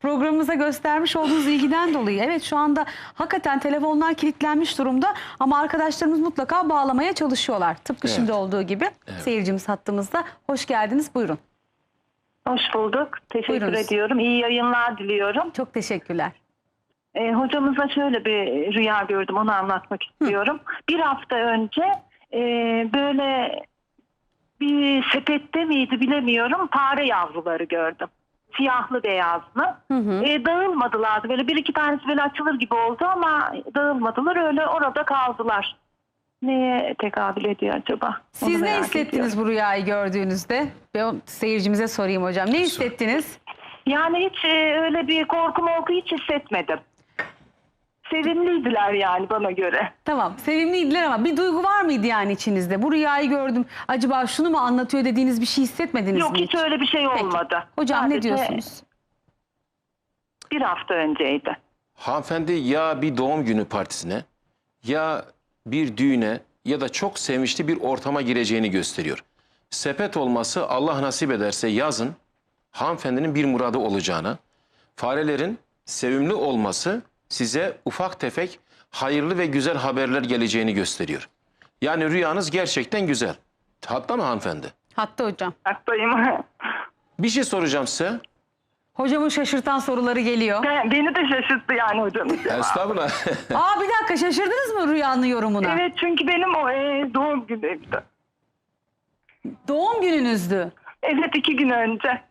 programımıza göstermiş olduğunuz ilgiden dolayı. Evet, şu anda hakikaten telefonlar kilitlenmiş durumda ama arkadaşlarımız mutlaka bağlamaya çalışıyorlar. Tıpkı şimdi olduğu gibi. Seyircimiz hattımızda. Hoş geldiniz, buyurun. Hoş bulduk. Teşekkür Buyurunuz. ediyorum. İyi yayınlar diliyorum. Çok teşekkürler. Hocamıza şöyle bir rüya gördüm. Onu anlatmak istiyorum. Bir hafta önce böyle bir sepette miydi bilemiyorum. Fare yavruları gördüm. Siyahlı beyazlı. Dağılmadılardı. Böyle bir iki tanesi böyle açılır gibi oldu ama dağılmadılar. Öyle orada kaldılar. Neye tekabül ediyor acaba? Siz Onu ne merak hissettiniz ediyorum. bu rüyayı gördüğünüzde? Ben seyircimize sorayım hocam. Ne hissettiniz? Yani hiç öyle bir korku hiç hissetmedim. Sevimliydiler yani bana göre. Tamam, sevimliydiler ama bir duygu var mıydı yani içinizde? Bu rüyayı gördüm, acaba şunu mu anlatıyor dediğiniz bir şey hissetmediniz Yok, mi hiç öyle bir şey Peki. olmadı. Hocam ne Sadece diyorsunuz? bir hafta önceydi. Hanımefendi ya bir doğum günü partisine ya bir düğüne ya da çok sevinçli bir ortama gireceğini gösteriyor. Sepet olması Allah nasip ederse yazın hanımefendinin bir muradı olacağını, farelerin sevimli olması size ufak tefek hayırlı ve güzel haberler geleceğini gösteriyor. Yani rüyanız gerçekten güzel. Hatta mı hanımefendi? Hatta hocam. Haklıyım. Bir şey soracağım size. Hocamın şaşırtan soruları geliyor. Beni de şaşırttı yani hocam. Estağfurullah. Aa, bir dakika, şaşırdınız mı rüyanın yorumuna? Evet, çünkü benim o doğum günümdü. Doğum gününüzdü. Evet, 2 gün önce.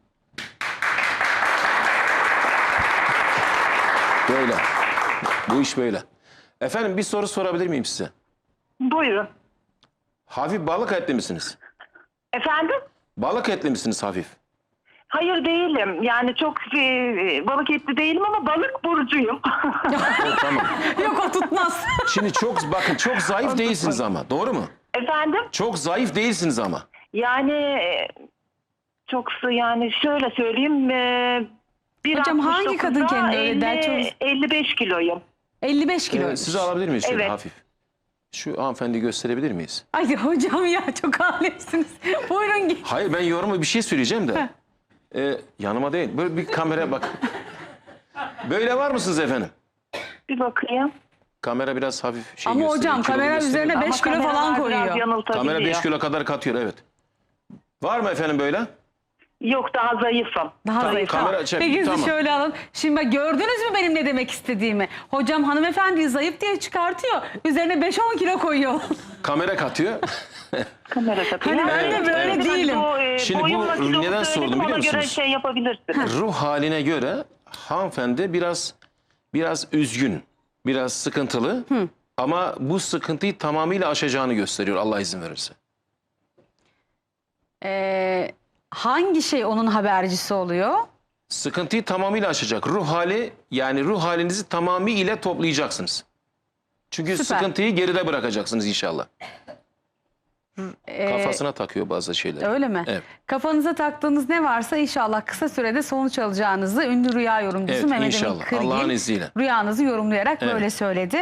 Böyle. Bu iş böyle. Efendim bir soru sorabilir miyim size? Buyurun. Hafif balık etli misiniz? Efendim? Balık etli misiniz hafif? Hayır, değilim. Yani çok balık etli değilim ama balık burcuyum. Tamam. Yok, o tutmaz. Şimdi bakın çok zayıf değilsiniz ama. Doğru mu? Efendim? Çok zayıf değilsiniz ama. Yani yani şöyle söyleyeyim. Hocam, hangi kadın kendini öyle der? 55 kiloyum. 55 kilo. Sizi alabilir miyiz şöyle Evet. hafif? Şu hanımefendi gösterebilir miyiz? Ay hocam ya, çok alemsiniz. Buyurun git. Hayır, ben yorumu bir şey söyleyeceğim de. Yanıma değil. Böyle bir kameraya bak. Böyle var mısınız efendim? Bir bakayım. Kamera biraz hafif şey Ama gösteriyor, hocam kilolu kamera gösteriyor. üzerine 5 kilo falan kameralar biraz koyuyor. yanıltabiliyor. Kamera 5 kilo kadar katıyor, evet. Var mı efendim böyle? Yok, daha zayıfım. Daha zayıf. kamera- Tamam. Peki tamam. sizi şöyle alın. Şimdi bak, gördünüz mü benim ne demek istediğimi? Hocam hanımefendiyi zayıf diye çıkartıyor. Üzerine 5-10 kilo koyuyor. Kamera katıyor. Kamera takıyor. Hani ben de böyle değilim. Şimdi bu Boyumla kilomu neden söyledim, sordum biliyor ona göre musunuz? şey yapabilirsiniz. Ruh haline göre hanımefendi biraz üzgün, biraz sıkıntılı. Ama bu sıkıntıyı tamamıyla aşacağını gösteriyor Allah izin verirse. Hangi şey onun habercisi oluyor? Sıkıntıyı tamamıyla aşacak. Ruh hali, yani ruh halinizi tamamıyla toplayacaksınız. Çünkü Süper. sıkıntıyı geride bırakacaksınız inşallah. Kafasına takıyor bazı şeyler. Öyle mi? Evet. Kafanıza taktığınız ne varsa inşallah kısa sürede sonuç alacağınızı ünlü rüya yorumcusu Evet, Mehmet Emin inşallah. Kırgil Allah'ın izniyle. rüyanızı yorumlayarak Evet. böyle söyledi.